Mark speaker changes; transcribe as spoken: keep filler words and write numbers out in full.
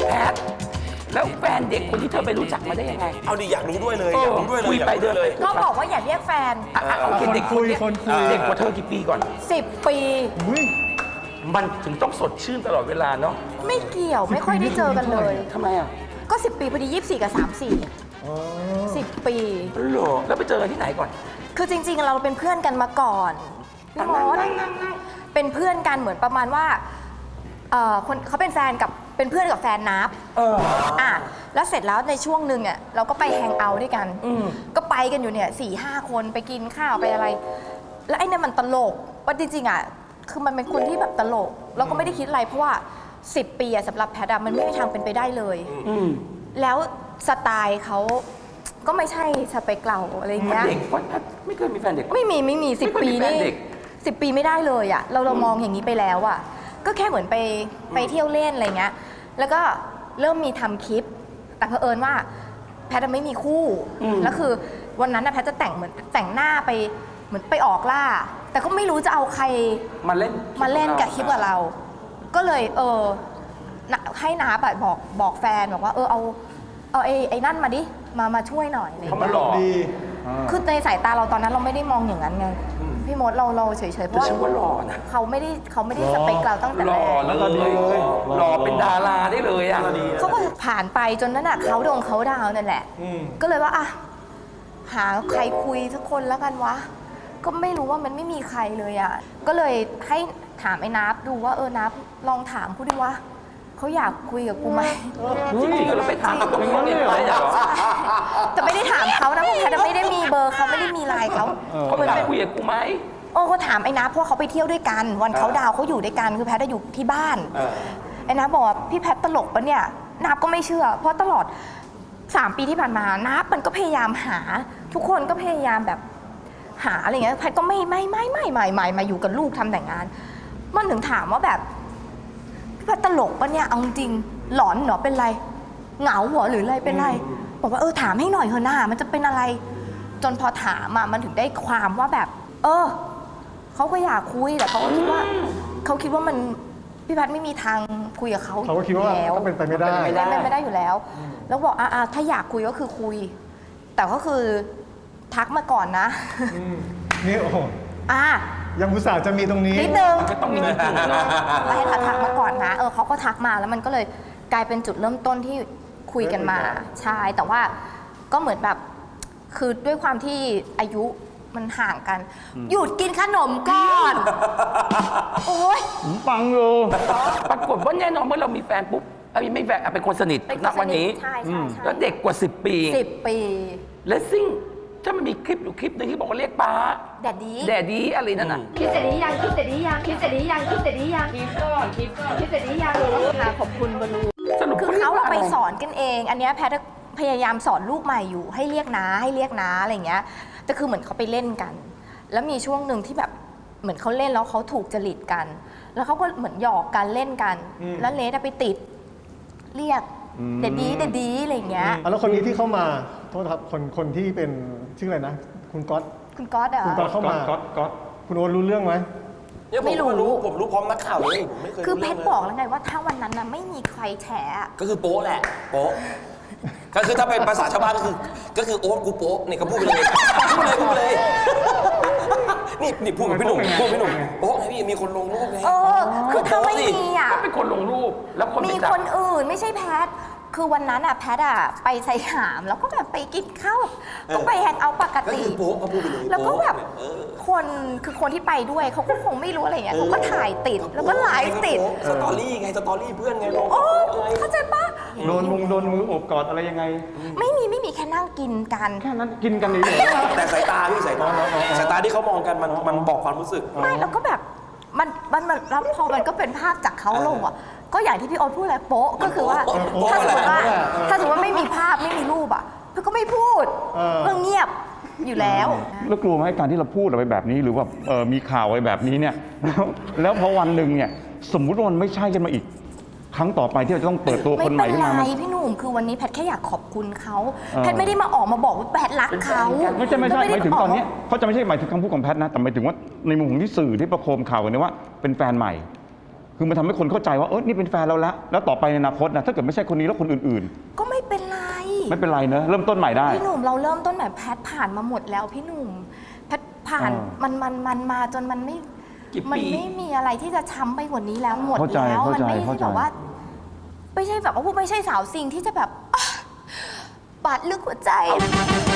Speaker 1: แพทแล้วแฟนเด็กคนที่เธอไปรู้จักมาได้ยังไง
Speaker 2: เอาดิอยากรู้ด้วยเลยอยากรู้ด้วยเลย
Speaker 1: คุยไปเดินเลย
Speaker 3: ก็บอกว่าอย่าเรียกแฟน
Speaker 1: อ่ะโอเคเด็กคนนี้เด็กกว่าเธอกี่ปีก่อน
Speaker 3: สิบปี
Speaker 1: มันถึงต้องสดชื่นตลอดเวลาเนาะ
Speaker 3: ไม่เกี่ยวไม่ค่อยได้เจอกันเลย
Speaker 1: ทำไมอ่ะ
Speaker 3: ก็สิบปีพอดียี่สิบสี่กับสามสี่สิบปี
Speaker 1: เหรอแล้วไปเจอกันที่ไหนก่อน
Speaker 3: คือจริงๆเราเป็นเพื่อนกันมาก่อนพี่มดเป็นเพื่อนกันเหมือนประมาณว่าเออคนเขาเป็นแฟนกับเป็นเพื่อนกับแฟนนับเอออ่ะแล้วเสร็จแล้วในช่วงหนึ่งอ่ะเราก็ไปแฮงเอาท์ด้วยกันก็ไปกันอยู่เนี่ยสี่ห้าคนไปกินข้าวไปอะไร แล้วไอ้เนี่ยมันตลกว่าจริงๆอ่ะคือมันเป็นคนที่แบบตลกเราก็ไม่ได้คิดอะไรเพราะว่าสิบปีอะสำหรับแพทย์มันไม่มีทางเป็นไปได้เลยแล้วสไตล์เขาก็ไม่ใช่สเปคเราอะไรเงี้ย
Speaker 1: เด็กไม่เคยมีแฟนเด็ก
Speaker 3: ไม่มีไม่มีสิบปีนี่สิบปีไม่ได้เลยอ่ะเราเรามองอย่างนี้ไปแล้วอ่ะก็แค่เหมือนไปไปเที่ยวเล่นอะไรเงี้ยแล้วก็เริ่มมีทำคลิปแต่เผอิญว่าแพทย์ไม่มีคู่แล้วคือวันนั้นนะแพทย์จะแต่งเหมือนแต่งหน้าไปเหมือนไปออกล่าแต่ก็ไม่รู้จะเอาใคร
Speaker 1: มาเล่น
Speaker 3: มาเล่นกับคลิปกับเรา ก็เลยเออให้น้าไปบอกบอกแฟนบอกว่าเออเอาเอาไอ้ไอ้นั่นมาดิมามาช่วยหน่อยอะไรอย่างเงี้ย
Speaker 1: เขามาหล่อดี
Speaker 3: คือในสายตาเราตอนนั้นเราไม่ได้มองอย่างนั้นไงพี่มดเราเราเฉยๆเพราะว่า
Speaker 1: ว่าหล่อนะ
Speaker 3: เขาไม่ได้เขาไม่ได้สเปคเราตั้งแต่แรก
Speaker 1: แล้วก็ดีเลยหล่อเป็นดาราได้เลยอ่ะ
Speaker 3: เขาก็ผ่านไปจนนั้นอ่ะเขาดงเขาดาวนั่นแหละก็เลยว่าอ่ะหาใครคุยสักคนแล้วกันวะก็ไม่รู้ว่ามันไม่มีใครเลยอ่ะก็เลยให้ถามไอ้นับดูว่าเออนับลองถามเขาดิว่าเขาอยากคุยกับกูไหม
Speaker 1: จริงๆเราไปถามเขาตรงๆเลยเหรอ
Speaker 3: แต่ไม่ได้ถามเขานะเพราะแพทย์ไม่ได้มีเบอร์เขาไม่ได้มีไลน์เขา
Speaker 1: เขาอยากคุยกับกูไหม
Speaker 3: โอ้เขาถามไอ้นับเพราะเขาไปเที่ยวด้วยกันวันเขาดาวเขาอยู่ด้วยกันคือแพทย์อยู่ที่บ้านไอ้นับบอกว่าพี่แพทย์ตลกปะเนี่ยนับก็ไม่เชื่อเพราะตลอดสามปีที่ผ่านมานับมันก็พยายามหาทุกคนก็พยายามแบบหาอะไรเงี้ยแพทย์ก็ไม่ไม่ไม่ไม่ไม่ไม่มาอยู่กับลูกทำแต่งงานมันถึงถามว่าแบบพี่แพทย์ตลกปะเนี่ยเอาจริงหลอนเหรอเป็นไรเหงาหัวหรืออะไรเป็นไรบอกว่าเออถามให้หน่อยเถอะหน้ามันจะเป็นอะไรจนพอถามอ่ะมันถึงได้ความว่าแบบเออเขาก็อยากคุยแต่เขาก็คิดว่าเขาคิดว่ามันพี่แพทย์ไม่มีทางคุยกับเขา
Speaker 4: เขาก็คิดว่าต้องเป็นไปไม่ได้
Speaker 3: เป็นไปไม่ได้อยู่แล้วแล้วบอกอ่าถ้าอยากคุยก็คือคุยแต่ก็คือทักมาก่อนนะ
Speaker 4: นี่โอ้
Speaker 3: อ่ะ
Speaker 4: ยังอุตส่าห์จะมีตรงนี้
Speaker 3: นิดนึง
Speaker 1: ก็ต้องมีนิดนึงนะ
Speaker 3: ไปให้ทักมาก่อนนะเออเขาก็ทักมาแล้วมันก็เลยกลายเป็นจุดเริ่มต้นที่คุยกันมาใช่แต่ว่าก็เหมือนแบบคือด้วยความที่อายุมันห่างกันหยุดกินขนมก่อนโอ้ย
Speaker 4: ผมฟังอยู่
Speaker 1: ปรากฏว่าแน่นอนเมื่อเรามีแฟนปุ๊บเอ้ยไม่แฟนเป็นคนสนิทณวันนี้
Speaker 3: ใช่ใช่
Speaker 1: แล้วเด็กกว่าสิบปี
Speaker 3: สิบปี
Speaker 1: และซิ่งถ้ามันมีคลิปอยู่คลิปนึงที่บอกว่าเรียกป้า
Speaker 3: แดดดี้
Speaker 1: แดดดี้อะไรนั่นน่ะ
Speaker 5: คิดเสร็จหรือยังคิดเสร็จหรือยังคิดเสร็จหรือยังคิดเสร็จหรือยังคิดก่อนคิดก่อนคิดเสร็จหรือยัง
Speaker 3: ค่ะขอบคุณบลู
Speaker 1: สรุป
Speaker 3: คือเขาไปสอนกันเองอันนี้แพทย์พยายามสอนลูกใหม่อยู่ให้เรียกน้าให้เรียกน้าอะไรเงี้ยแต่คือเหมือนเขาไปเล่นกันแล้วมีช่วงหนึ่งที่แบบเหมือนเขาเล่นแล้วเขาถูกจริตกันแล้วเขาก็เหมือนหยอกกันเล่นกันแล้วเลสไปติดเรียกเด็ดดีเด็ดดีอะไรเงี้ย
Speaker 4: แล้วคนนี้ที่เข้ามาโทษครับคนคนที่เป็นชื่ออะไรนะคุณก๊อต
Speaker 3: คุณก๊อตเหรอ
Speaker 4: คุณก๊อตเข้ามาก๊อตก๊อตคุณโอ๊ตรู้เรื่องไหม
Speaker 2: ไม่รู้ผมรู้พร้อมนักข่าวเลยผมไม่เคย
Speaker 3: คือเพชรบอกแล้วไงว่าถ้าวันนั้นนะไม่มีใครแฉ
Speaker 2: ก็คือโป๊ะแหละโป๊ะก็คือถ้าเป็นภาษาชาวบ้านก็คือก็คือโอ๊ตกูโป๊ะนี่ก็พูดไปเลยพูดเลยพูดเลยนี่นี่พูดกับพี่หนุ่มพูดพี่หนุ่มโป๊ะไงพี่มีคนลงรูปไง
Speaker 3: เออคือถ้าไม่มีอ่ะ
Speaker 1: ก็เป็นคนลงรูปแล้วคน
Speaker 3: มีคนอื่นไม่ใช่แพทคือวันนั้นอะแพทอะไปไซหามแล้วก็แบบไปกินข้าวก็ไปแฮงเอาปกติแล้วก็แบบคนคือคนที่ไปด้วยเขาก็คงไม่รู้อะไรเงี้ยเขาก็ถ่ายติดแล้วก็ไลฟ์ติด
Speaker 2: สตอรี่ไงสตอรี่เพื่อนไงลง
Speaker 3: โอ้เข้าใจปะ
Speaker 4: โดนมุงโดนมืออบกอดอะไรยังไง
Speaker 3: ไม่มีไม่มีแค่นั่งกินกัน
Speaker 4: แค่นั้นกินกันเลย
Speaker 2: แต่สายตาพี่สายตาสายตาที่เขามองกันมันมันบอกความรู้สึก
Speaker 3: ไม่แล้วก็แบบมันมันแล้วพอมันก็เป็นภาพจากเขาลงอ่ะก็อย่างที่พี่โอ๊ตพูดแหละโป๊ะก็คือว่าถ้าสมมติว่าถ้าสมมติว่าไม่มีภาพไม่มีรูปอ่ะพี่ก็ไม่พูดก็เงียบอยู่แล้ว
Speaker 4: แล้วกลัวไหมการที่เราพูดอะไรแบบนี้หรือว่ามีข่าวอะไรแบบนี้เนี่ยแล้วแล้วพอวันหนึ่งเนี่ยสมมุติว่ามันไม่ใช่กันมาอีกครั้งต่อไปที่เราจะต้องเปิดตัวคนใหม่ขึ้นมา
Speaker 3: ไม่เป็นไรพี่หนุ่มคือวันนี้แพทย์แค่อยากขอบคุณเขาแพทย์ไม่ได้มาออกมาบอกว่าแพทย์รักเขา
Speaker 4: ไม่ใช่ไม่ใช่หมายถึงตอนนี้เขาจะไม่ใช่หมายถึงคำพูดของแพทย์นะแต่หมายถึงว่าในมุมของที่สื่อที่ประโคมข่าวกันเนี่ยว่าเป็นแฟนใหม่คือมันทำให้คนเข้าใจว่าเออนี่เป็นแฟนเราแล้วแล้วต่อไปในอนาคตนะถ้าเกิดไม่ใช่คนนี้แล้วคนอื่น
Speaker 3: ก็ไม่เป็นไร
Speaker 4: ๆ ไม่เป็นไรเนอะเริ่มต้นใหม่ได้
Speaker 3: พี่หนุ่มเราเริ่มต้นแบบแพทผ่านมาหมดแล้วพี่หนุ่มแพทผ่าน
Speaker 4: อ่ามั
Speaker 3: มันมันมันมาจนมันไม่
Speaker 1: กี่
Speaker 3: มัน
Speaker 1: ปี
Speaker 3: ไม่มีอะไรที่จะช้ำไปกว่านี้แล้วหมด
Speaker 4: เข้าใจ
Speaker 3: แล้ว
Speaker 4: เข้า
Speaker 3: มั
Speaker 4: ใจ
Speaker 3: ไม่
Speaker 4: เข้า
Speaker 3: ใช่
Speaker 4: ใจ
Speaker 3: แบบว่า ไม่ใช่แบบว่าไม่ใช่สาวซิงที่จะแบบอ่ะบาดลึกหัวใจ